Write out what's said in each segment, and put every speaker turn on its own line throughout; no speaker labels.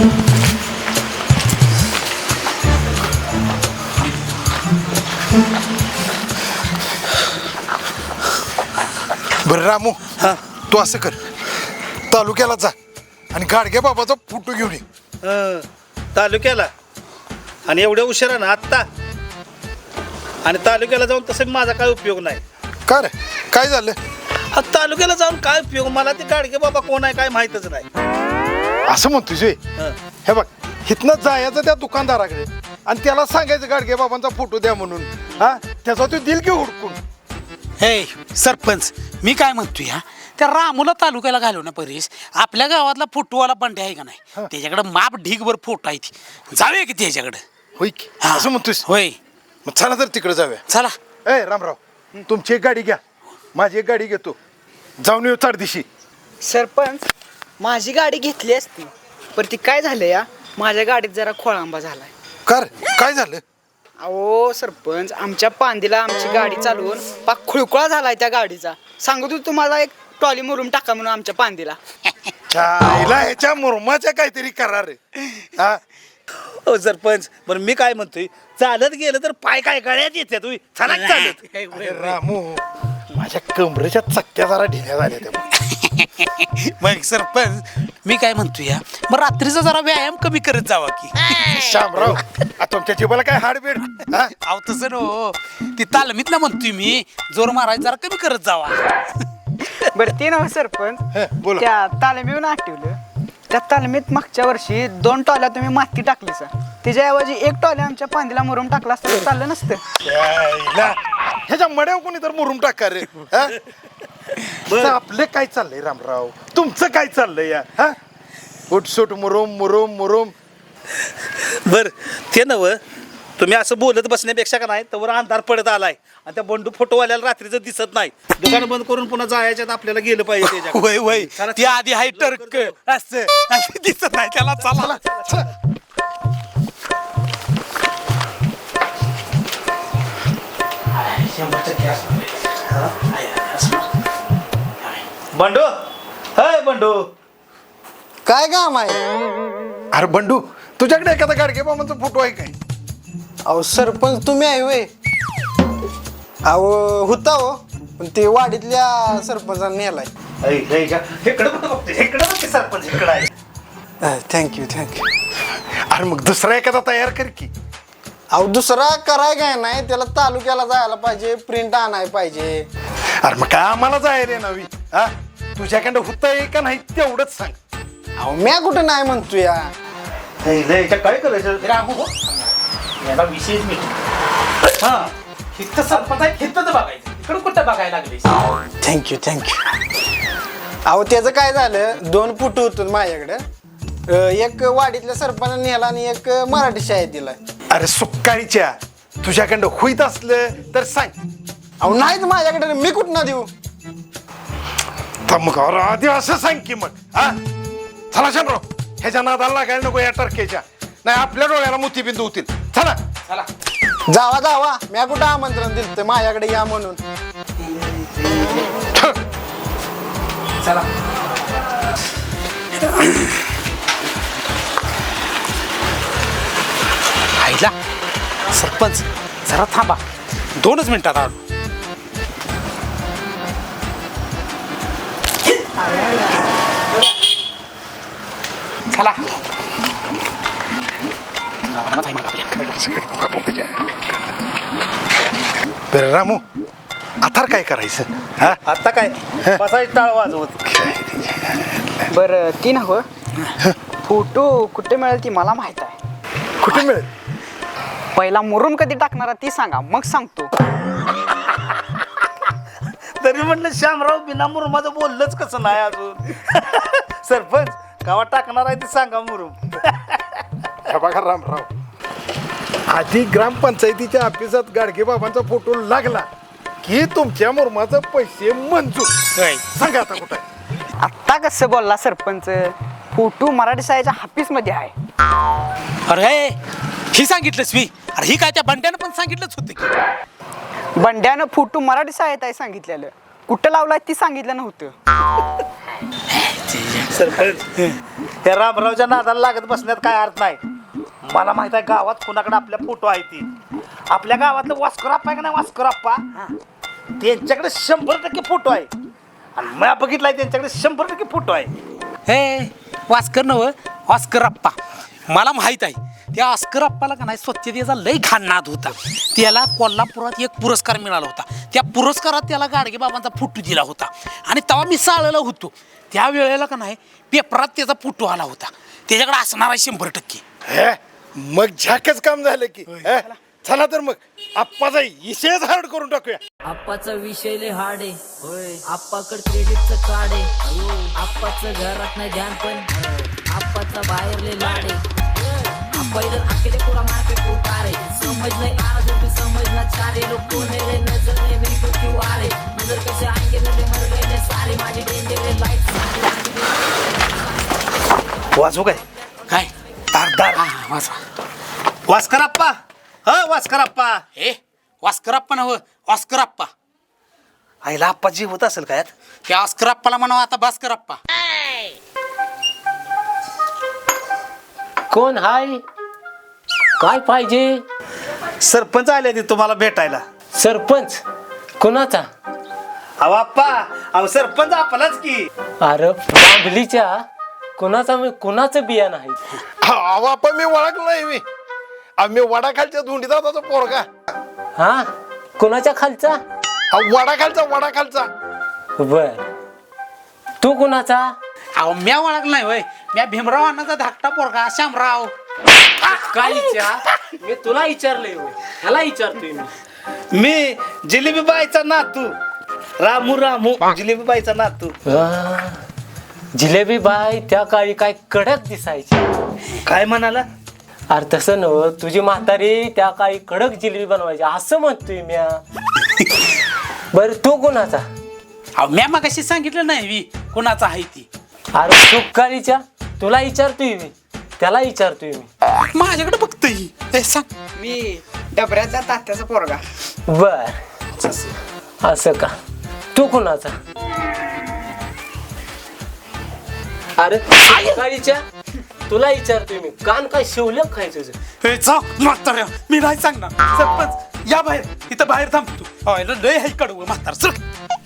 बरं रामू, तू असं कर, तालुक्याला जा आणि गाडगे बाबाचा फोटो घेऊन ये.
तालुक्याला आणि एवढ्या उशिरा ना आत्ता? आणि तालुक्याला जाऊन तसं माझा काय उपयोग नाही.
का रे, काय झालं?
तालुक्याला जाऊन काय उपयोग? मला ते गाडगे बाबा कोण आहे काय माहितच नाही.
असं म्हणतोय हे बघ, इथनं जायचं त्या दुकानदाराकडे आणि त्याला सांगायचं गाडगे बाबांचा फोटो द्या म्हणून. हा, त्याचा तो दिल की हुडकून.
हे सरपंच, मी काय म्हणतोय हा, त्या रामूला तालुक्याला घालव ना परेश. आपल्या गावातला फोटोवाला बंडे आहे का नाही, त्याच्याकडे माप ढीगभर फोटो आहे, ती जाऊया की त्याच्याकडे.
होय की, असं म्हणतोयस?
होय,
मग चला तर तिकडे जाऊया.
चला.
ए रामराव, तुमची एक गाडी घ्या, माझी एक गाडी घेतो, जाऊन येऊ चारदिशी.
सरपंच, माझी गाडी घेतली असती, पण ती काय झालं या, माझ्या गाडीत जरा खोळंबा झालाय.
कर, काय झालं?
अहो सरपंच, आमच्या पांदीला आमची गाडी चालवून पाक खुळखुळा झालाय त्या गाडीचा. सांगतो होतो तुम्हाला एक ट्रॉली मुरुम टाका म्हणून आमच्या पांदीला.
चायला ह्याच्या मुरमाच्या काहीतरी करार आहे. हा,
हो सरपंच, बरं मी काय म्हणतोय, चालत गेलं तर पाय काय गळ्यात येते तुम्ही, चला की चालत.
अरे रामू, माझ्या कमरेच्या चक्क्या जरा ढिल्या झाल्या त्या.
मग सरपंच, मी काय म्हणतोय या, मग रात्रीचा जरा व्यायाम कमी करत जावा की.
शामराव, तुमच्या जीवाला काय हाडबीड? हा?
अहो तसं नो, ती तालमीतला म्हणतोय मी, जोर मारायचा जरा कमी करत जावा.
बरं ते नव्ह सरपंच,
बोला.
त्या तालमीहून आठवलं, त्या तालमीत मागच्या वर्षी 2 टॉल्या तुम्ही माती टाकली सर, त्याच्याऐवजी 1 टॉल्या आमच्या पांदीला मुरुम टाकला असतं तर चाललं नसतं.
ह्याच्या मड्यावर कोणी तर मुरुम टाका रे. हा? तर आपलं काय चाललंय रामराव, तुमचं काय चाललंय या? हा, उठसूट मुरुम मुरुम मुरुम.
बर ते नव, तुम्ही असं बोलत बसण्यापेक्षा का नाही, तर अंधार पडत आलाय आणि त्या बंडू फोटोवाल्याला रात्रीचं दिसत नाही. दुकान बंद करून पुन्हा जायच्यात आपल्याला गेलं पाहिजे त्याच्याकडे.
वय वय, ती आधी हाय टर्क असं दिसत नाही त्याला. चला
चला.
बंडू, हाय बंडू,
काय काम आहे?
अरे बंडू, तुझ्याकडे एखादा गाडगे बाबांचा फोटो आहे काय?
अहो सरपंच, तुम्ही आहे वे? अहो होता हो, पण ते वाडीतल्या सरपंचाने नेलाय.
इकडे बघते सरपंच, इकडे आहे.
थँक्यू.
अरे मग दुसरा एखादा तयार कर की.
अहो दुसरा कराय काय नाही, त्याला तालुक्याला जायला पाहिजे, प्रिंट आणाय पाहिजे.
अरे मग काय आम्हाला जाय रे नवी? हा, तुझ्याकडे होत आहे का नाही तेवढंच सांग.
अहो म्या कुठं नाही म्हणतो या.
काय करायचं
याला विशेष मीटिंग. हा, हित सरपंच आहे, हितच बघायचं, इकडं कुठं बघायला लागले.
थँक्यू. अहो त्याचं काय झालं, 2 फोटो होतो माझ्याकडे. एक वाडीतल्या सरपंचाने नेला आणि एक मराठी शाळेत दिलाय.
अरे सुक्काळीच्या, तुझ्याकडं होईत असलं तर सांग.
अहो नाहीच माझ्याकडे, मी कुठं देऊ?
तर मग आधी असं सांग की मग. हा, चला शामराव, ह्याच्या नादाला लागायला नको या टर्केच्या, नाही आपल्या डोळ्याला मोतीबिंदू होतील. चला
चला.
जावा, म्या कुठं आमंत्रण दिलं तर माझ्याकडे या म्हणून.
चला. आईला सरपंच, जरा थांबा, 2च मिनिटात आलो. चला.
बरं रामू, आता काय करायचं? हा,
आता काय बसायचं टाळ वाजवत.
बरं ती नव्ह, फोटो कुठे मिळेल ती मला माहित आहे.
कुठे मिळेल?
पहिला मुरुम कधी टाकणारा ती सांगा, मग सांगतो.
तरी म्हटलं श्यामराव बिना मुरुमाचं बोललंच कसं नाही अजून. सरपंच, गावात टाकणार आहे ते सांगा मुरुम.
हे बघा रामराव, आधी ग्रामपंचायतीच्या ऑफिसात गाडगे बाबांचा फोटो लागला की तुमच्या मुरमाचे पैसे मंजूर. सांगा आता कुठं आहे?
आत्ता कसं बोलला सरपंच, फोटो मराठी शाळेच्या ऑफिसमध्ये आहे.
अरे ही सांगितलंस मी. अरे ही काय त्या बंड्यानं पण सांगितलंच होतं की.
बंड्यानं फोटो मराठी शाळेत आहे सांगितलेलं, कुठं लावलाय ती सांगितलं नव्हतं.
सरपंच, त्या रामरावच्या नादाला लागत बसण्यात काय अर्थ नाही. मला माहित आहे गावात कुणाकडे आपल्या फोटो आहे ती. आपल्या गावातलं वास्कर आप्पा आहे का नाही, वास्कर आप्पा, त्यांच्याकडे 100% फोटो आहे. आणि मी बघितलाय त्यांच्याकडे 100% फोटो आहे.
हे वास्कर नव ऑस्कर अप्पा, मला माहित आहे त्या ऑस्कर अप्पाला का नाही स्वच्छतेचा लय घाण नाद होता. त्याला कोल्हापुरात एक पुरस्कार मिळाला होता. त्या पुरस्कारात त्याला गाडगे बाबांचा फोटो दिला होता. आणि तेव्हा मी शाळेला होतो त्या वेळेला का नाही पेपरात त्याचा फोटो आला होता. त्याच्याकडे असणार आहे 100%.
हे मग झाकच काम झालं की. हे, चला तर मग आप्पाचा विषयच हार्ड करून टाकूया.
आप्पाचा विषय लय हार्ड आहे. होय, आप्पाकड क्रेडिटचं कार्ड आहे. आप्पाचं घरात नाही ध्यान पण आप्पाचा बाहेर लय लाड आहे. आप्पा इधर अकेले पूरा मार्केट उतारे. समझ नहीं आ रहा जब भी समझना चाह रहे लोग कौन है रे, नजर नहीं मेरी को क्यों आ रहे, नजर कैसे आएंगे मेरे मर गए ले सारे माझे डेंजर रे लाइट.
वाजू काय
काय
धारदार. वास्कर आप्पा, हा वास्कर आप्पा.
हे ऑस्कर अप्पा नव ऑस्कर अप्पा.
आईला आप्पा जीव होत असेल काय?
त्या ऑस्कर अप्पाला म्हणावं आता भास्कर अप्पा.
कोण हाय? काय पाहिजे?
सरपंच आले ते तुम्हाला भेटायला.
सरपंच कोणाचा?
अहो आप्पा, अहो सरपंच आपलाच की.
अरे बांबलीच्या कोणाचा? मी कोणाचं बिया नाही.
अहो आप्पा मी ओळखलं नाही. मी वडाखालच्या धुंडीदादाचा पोरगा.
हा, कोणाच्या खालचा?
वडाखालचा.
बर, तू कोणाचा?
अहो म्या ओळख नाही होय, म्या भीमराव अण्णाचा धाकटा पोरगा श्यामराव.
काय विचार? मी तुला विचारलंय होय, ह्याला विचारतोय मी.
मी जिलेबी बाईचा नातू रामू. जिलेबी बाईचा नातू.
जिलेबी बाई त्या काळी काय कडक दिसायची.
काय म्हणाला?
अरे तसं नव, तुझी म्हातारी त्या काळी कडक जिलेबी बनवायची असं म्हणतोय म्या. बर, तू कोणाचा?
अहो म्या मगाशी सांगितलं नाही वी कोणाचा आहे ती.
अरे सुकाळीच्या तुला विचारतोय मी, त्याला विचारतोय मी.
माझ्याकडे बघतोय. हे सांग.
मी डबऱ्याचा तात्याचा पोरगा.
बर, असं का? तू कोणाचा? अरे सुकाळीच्या तुला विचारतोय मी. कान काय शिवलं काय तुझं?
हे जा म्हाताऱ्या, मी नाही सांगणार. सरपंच या बाहेर, इथं बाहेर थांबतो. अहो लय हाय कडवं म्हातार. चल.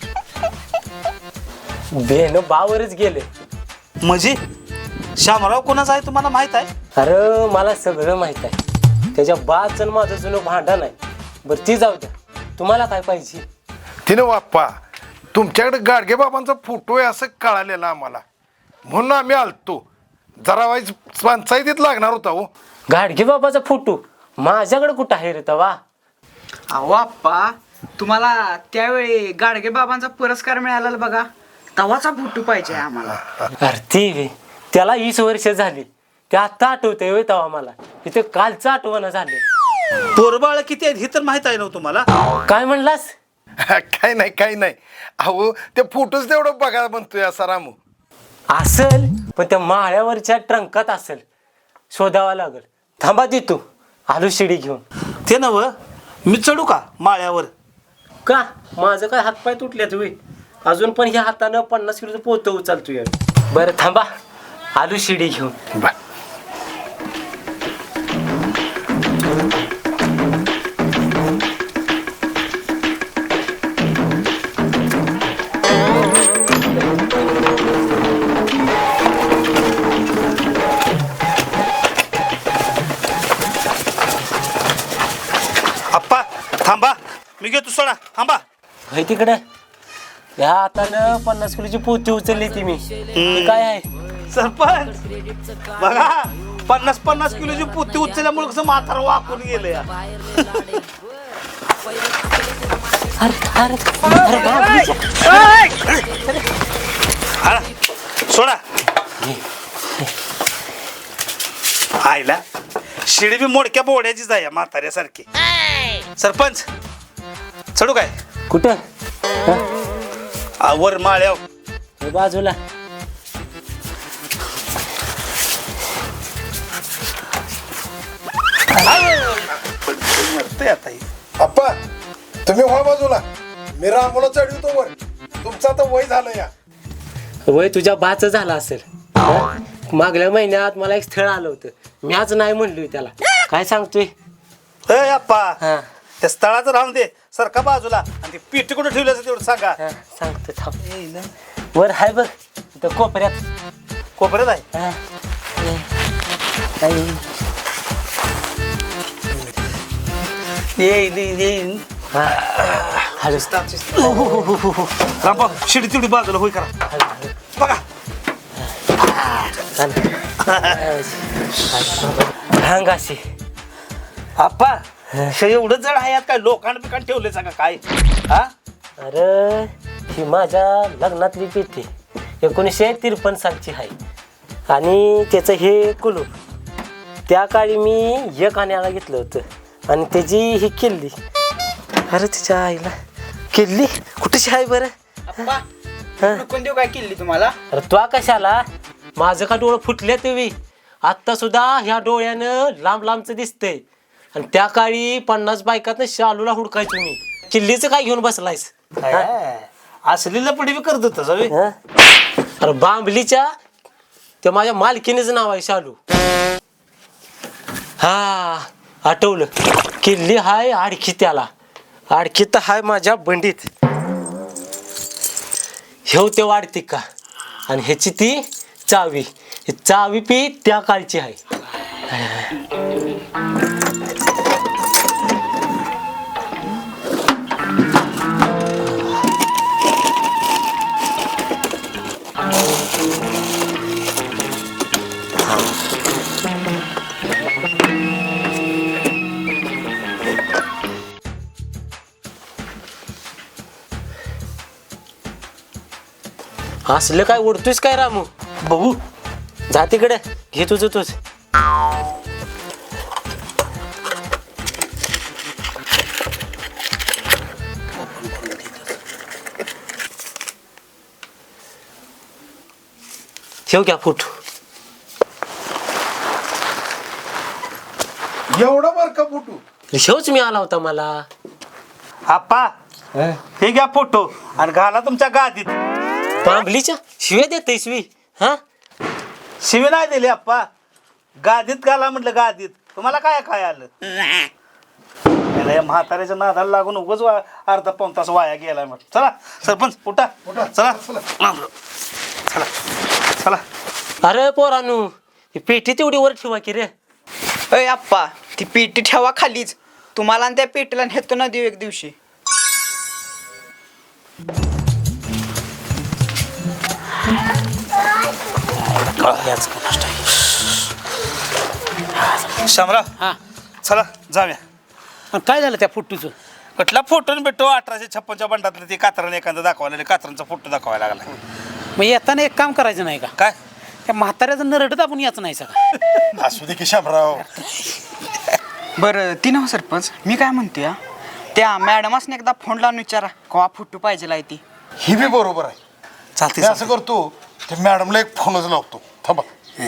बेन बावरच गेले.
म्हणजे श्यामराव कोणाचा आहे तुम्हाला माहित आहे?
अरे मला सगळं माहित आहे. त्याच्या बाच आणि माझं जुनं भांडण आहे. बरं ती जाऊ द्या, तुम्हाला काय पाहिजे?
तिने बाप्पा तुमच्याकडे गाडगे बाबांचा फोटो आहे असं कळालेलं आम्हाला, म्हणून आम्ही आलतो. जरा वाईज पंचायतीत लागणार होता. हो,
गाडगे बाबाचा फोटो माझ्याकडे कुठं आहे रे तवा?
अहो आप्पा, तुम्हाला त्यावेळी गाडगे बाबांचा पुरस्कार मिळाला बघा, तवाचा फोटो पाहिजे आम्हाला.
अरे ती त्याला 20 वर्ष झाली. ते आता आठवतंय होय तवा मला. इथे कालचं आठवण झाले.
पोरबाळ किती आहेत हे तर माहित आहे ना तुम्हाला?
काय म्हणलास?
काही नाही. अहो ते फोटोच तेवढं बघा म्हणतोय असा रामू.
असल, पण त्या माळ्यावरच्या ट्रंकात असेल. शोधावा लागल. थांबा देतो, आलू शिडी घेऊन.
ते नव, मी चढू का माळ्यावर?
का माझं काय हातपाय तुटल्यात होय? अजून पण ह्या हातानं 50 किलोचं पोतं उचलतोय. बरं थांबा, आलू शिडी घेऊन.
बर.
आप्पा थांबा, मी घेतो सोडा. थांबा.
होय तिकडे ह्या हातानं 50 किलोची पोती उचलली ती मी. हे काय आहे?
सरपंच बघा, 50 किलोची पोती उचलल्यामुळे कसं म्हातार वाकून गेलं या.
अरे बाबा.
हा, सोडा. आईला शिडी बी मोडक्या बोड्याचीच आहे म्हाताऱ्यासारखी. सरपंच चढू काय?
कुठं?
वर माळ्याव.
हे बाजूला.
मरतंय आता हे.
आप्पा तुम्ही व्हा बाजूला, मी रामूला चढवतो वर. तुमचं आता वय झालं या.
वय तुझ्या बाच झाला असेल. मागल्या महिन्यात मला एक स्थळ आलं होतं मी आज नाही म्हणलोय त्याला काय सांगतोय
ए अप्पा
हा
त्या स्थळाचं राहून दे सरका बाजूला आणि ती पेटी कुठे ठेवली असं तेवढं सांगा.
हा, सांगतो थांब वर हाय बघ इथं कोपऱ्यात
कोपऱ्यात आहे.
हा. आई. हा. हळूच.
रामभाऊ शिडी तिवडी बाजूला होई करा बघा.
भांग अशी
अप्पा हे एवढं जड आहे यात काय लोखंड बिकांड ठेवले सांगा काय हा.
अरे ही माझ्या लग्नातली पेटी 1953 सालची आहे आणि त्याचं हे कुलूप त्या काळी मी एक आण्याला घेतलं होतं आणि त्याची ही किल्ली अरे तिच्या आईला किल्ली कुठेशी आहे बरं
आप्पा कोण देऊ काय केली तुम्हाला?
अरे तो कशाला माझं का डोळं फुटले तुम्ही आत्ता सुद्धा ह्या डोळ्यानं लांब लांबच दिसतंय आणि त्या काळी 50 बायकात शालूला हुडकायचो मी किल्लीचं काय घेऊन बसलायस
असली लपडी बी करत होतं सगळे.
हं? अरे बांबलीच्या ते माझ्या मालकीनेच नाव आहे शालू हा आठवलं किल्ली हाय आडखी त्याला आडखी तर हाय माझ्या बंडीत हेव ते वाढते का आणि ह्याची ती चावी ही चावी पी त्या काळची आहे असलं काय ओढतोयस काय रामू बघू जा तिकडे घे तुझं तूच ठेव घ्या फोटो
एवढा बर का फोटो
शेवच मी आला होता मला
अप्पा हे घ्या फोटो आणि घाला तुमच्या गादीत.
बांबलीच्या शिव्या देते शिवी हा
शिवी नाही दिली अप्पा गादीत घाला म्हटलं गादीत. तुम्हाला काय काय आलं याला या म्हाताऱ्याच्या नादाला लागून उगाच अर्धा पाऊण तास वाया गेलाय मग. चला सरपंच उठा चला चला चला.
अरे पोरानू ही पेटी तेवढी वर ठेवा की रे
अय आप्पा ती पेटी ठेवा खालीच तुम्हाला आणि त्या पेटीला नेतो ना देऊ एक दिवशी.
शामराव
हा
चला जाऊया.
आणि काय झालं त्या फुट्टूचं
कुठला फोटो भेटतो 1856 बंडातलं ते कात्राने एखादा दाखवायला कात्रांचा फोटो दाखवायला लागला.
मग येताना एक काम करायचं नाही का
काय
त्या म्हाताऱ्याचं नरडत आपण याच नाही सगळं
असू दे की शामराव.
बरं ती नव सरपंच मी काय म्हणते हा, त्या मॅडमासने एकदा फोन लावून विचारा कवा फोटो पाहिजे आहे ती.
ही बी बरोबर आहे.
चालते
मी असं करतो ते मॅडमला एक फोनच लावतो थांबा.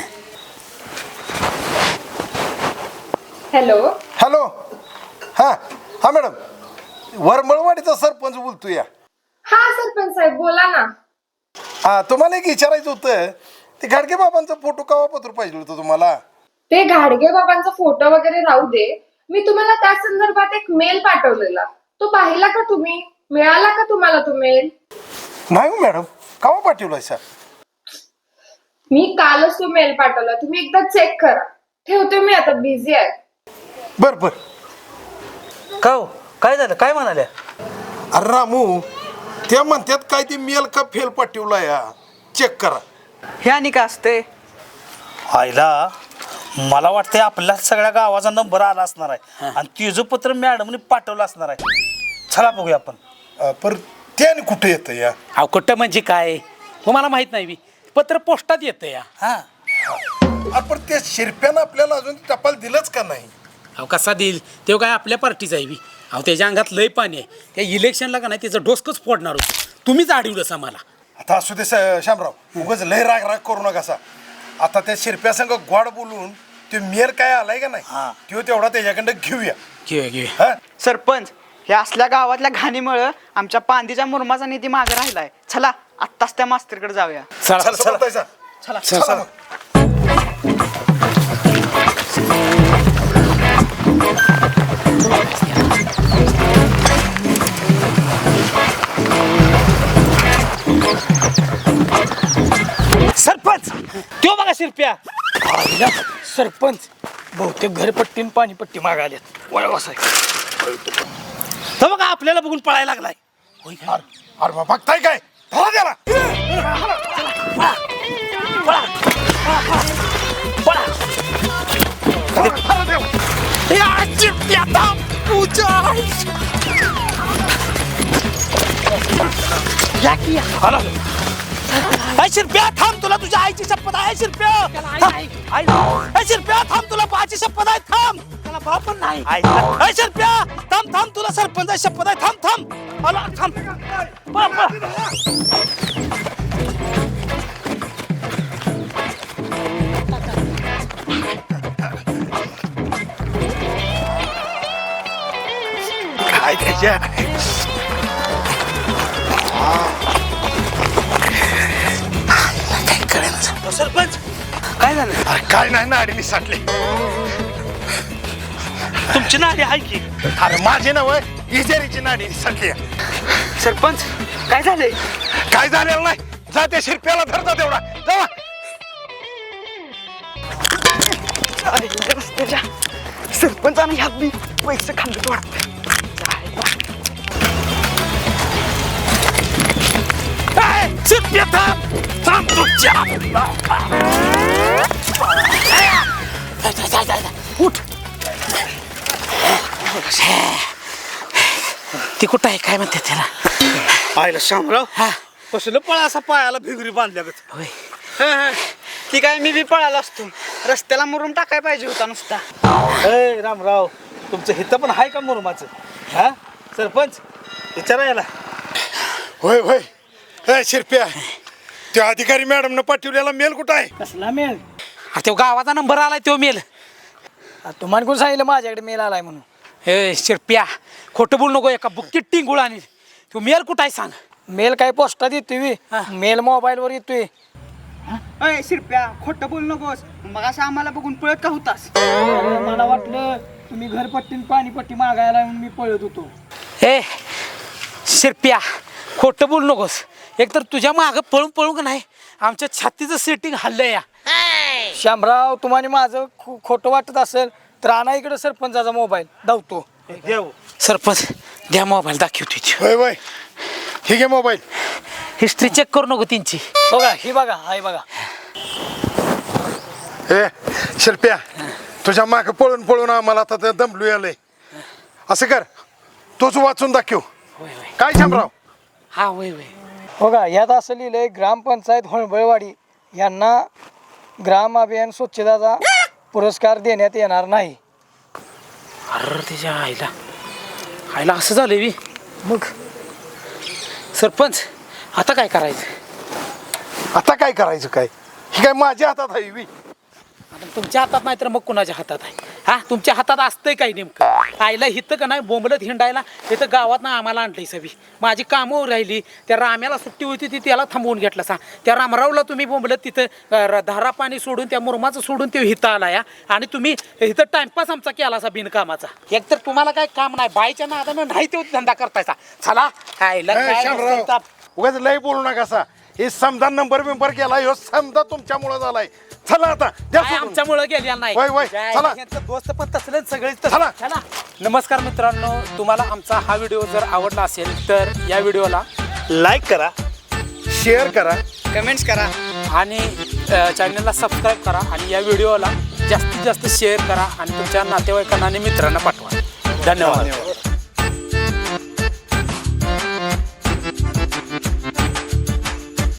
हॅलो
हॅलो हा हा मॅडम वरमळवाडीचा सरपंच बोलतो या.
हा सरपंच साहेब बोला ना.
हा तुम्हाला एक विचारायचं होतं ते गाडगे बाबांचा फोटो केव्हा पत्र पाहिजे होतं तुम्हाला.
ते घाडगे बाबांचा फोटो वगैरे राहू दे, मी तुम्हाला त्या संदर्भात एक मेल पाठवलेला, तो पाहिला का तुम्ही? मिळाला का तुम्हाला तो मेल?
नाही हो मॅडम केव्हा पाठवलाय सर.
मी कालच तो मेल पाठवला, तुम्ही एकदा चेक करा. ठेवते मी आता, बिझी आहे.
बर बर.
का हो काय झालं काय म्हणाल्या.
अरे रामू त्या म्हणतात काय ते मेल का फेल पाठवला या चेक करा.
हे आणि का असते
आईला मला वाटतंय आपल्या सगळ्या गावाचा नंबर आला असणार आहे आणि तिचं पत्र मॅडमने पाठवलं असणार आहे. चला बघूया आपण.
पर ते आणि कुठे येतं या.
अहो कुठं म्हणजे काय तुम्हाला माहित नाही बी पत्र पोस्टात येतं या.
हा
आपण त्या शिरप्यानं आपल्याला अजून टपाल दिलंच का नाही.
अहो कसा देईल तेव्हा काय आपल्या पार्टीचा आहे बी. अहो त्याच्या अंगात लय पाणी आहे. त्या इलेक्शनला का नाही त्याचं डोसकंच फोडणार होतं. तुम्हीच अडवलं मला.
आता असू दे शामराव उगाच लय राग राग करू नका सा. आता त्या शिरप्या संग गोड बोलून ते मेल काय आलाय का नाही तो तेवढा त्याच्याकडं घेऊया.
घेऊया
हा
सरपंच हे असल्या गावातल्या घाणीमुळं आमच्या पांदीच्या मुरमाचा निधी मागे राहिलाय. चला आत्ताच त्या मास्तरकडे जाऊया.
चला
चला चला
चला
चला मग.
सरपंच तो बघा शिरप्या
सरपंच बहुतेक घरपट्टी आणि पाणीपट्टी मागायल्यात वळवासाय
तो बघा आपल्याला बघून पळायला लागलाय.
अरे बा, बघताय काय धरा त्याला. धरा देव.
शिरप्या थांब, तुला तुझ्या आईची शपथ आहे शिरप्या. शिरप्या थांब, तुला बाची शपथ आहे थांब. त्याला बाप पण नाही. शिरप्या थांब थांब, तुला सरपंच शपथ आहे थांब थांब. आला थांब. पळा, पळा.
काय त्याच्या
सरपंच काय झालं?
अरे काय नाही नाडीने साठले.
तुमची नाडी आहे की?
अरे माझे नव इजेरीची नाडीने साठली.
सरपंच काय झालंय?
काय झालेलं नाही. जा त्या शिरप्याला धरता तेवढा जावा.
सरपंचाने ह्यात मी पैसे खाल्ले वाटतं.
शिरप्या थांब थांब तुझ्या. उठ.
ती कुठं आहे काय म्हणते त्याला?
आयला शामराव कसलं पळा असा पायाला भिगरी बांधल्यागत.
होय.
ती काय मी बी पळाला असतो, रस्त्याला मुरुम टाकाय पाहिजे होता नुसता.
रामराव तुमचं हित पण आहे का मुरुमाचं? हा सरपंच विचारायला.
होय होय. शिरप्या त्या अधिकारी मॅडमनं पाठवलेला मेल कुठं आहे?
कसला मेल?
तो गावाचा नंबर आलाय तो मेल.
तुम्हाला कोण सांगितलं माझ्याकडे मेल आलाय म्हणून?
ए शिरप्या खोटं बोल नको. एका बुक्कीत टिंगुळ आणि तो मेल कुठं आहे सांग.
मेल काय पोस्टात येतोय? मेल मोबाईलवर येतोय. अय शिरप्या खोटं बोल नकोस. मग असं आम्हाला बघून पळत का होतास? मला वाटलं तुम्ही घरपट्टी पाणीपट्टी मागायला म्हणून मी पळत होतो.
ए शिरप्या खोटं बोल नकोस. एकतर तुझ्या मागं पळून पळून का नाही आमच्या छातीचं सेटिंग हल्लंय या.
श्यामराव तुम्हाला माझं खोटं वाटत असेल तर आणा इकडे सरपंचाचा मोबाईल धावतो.
सरपंच द्या मोबाईल दाखवतो.
होय होय. ठीक आहे मोबाईल.
हिस्ट्री चेक करू नको त्यांची.
बघा ही बघा हाय बघा.
ए शिरप्या तुझ्या माग पळून पळून आम्हाला आता ते दमलू आलंय. असं कर तोच वाचून दाखव. काय शामराव?
हा होय होय.
बघा यात असं लिहिलंय ग्रामपंचायत होळबळवाडी यांना ग्राम अभियान स्वच्छताचा पुरस्कार देण्यात येणार नाही.
अरे त्याच्या आईला असं झालंय बी. मग सरपंच आता काय करायचं?
आता काय करायचं काय? ही काय माझ्या हातात आहे बी.
आता तुमच्या हातात नाही तर मग कुणाच्या हातात आहे? हा तुमच्या हातात असतंय काय नेमकं? आईला हिथं का नाही बोंबलत हिंडायला इथं गावात ना आम्हाला आणलंय सभी. माझी कामं राहिली. त्या राम्याला सुट्टी होती ती त्याला थांबवून घेतला सा. त्या रामरावला तुम्ही बोंबलत तिथं धारा पाणी सोडून त्या मुरमाचं सोडून ते हिथं आला या. आणि तुम्ही इथं टाइमपास आमचा केला सा बिनकामाचा. एकतर तुम्हाला काय काम नाही बाईच्या नादानं नाही तो धंदा करतायचा. चला आईला काय
शामराव
नुसतं
उगाच लय बोलू नका सा. हे समजा नंबर बिंबर केला ह्यो समजा तुमच्यामुळं झालाय. चला आता द्या
काय
सोडून.
आमच्यामुळं गेल्या नाही.
वय, वय, चला.
यांचं दोस्त पण तसले सगळे
चला.
चला. नमस्कार मित्रांनो, तुम्हाला आमचा हा व्हिडिओ जर आवडला असेल तर या व्हिडिओला
लाईक करा,
शेअर करा,
कमेंट्स करा
आणि चॅनलला सबस्क्राईब करा आणि या व्हिडिओला जास्तीत जास्त शेअर करा आणि तुमच्या नातेवाईकांना आणि मित्रांना पाठवा. धन्यवाद.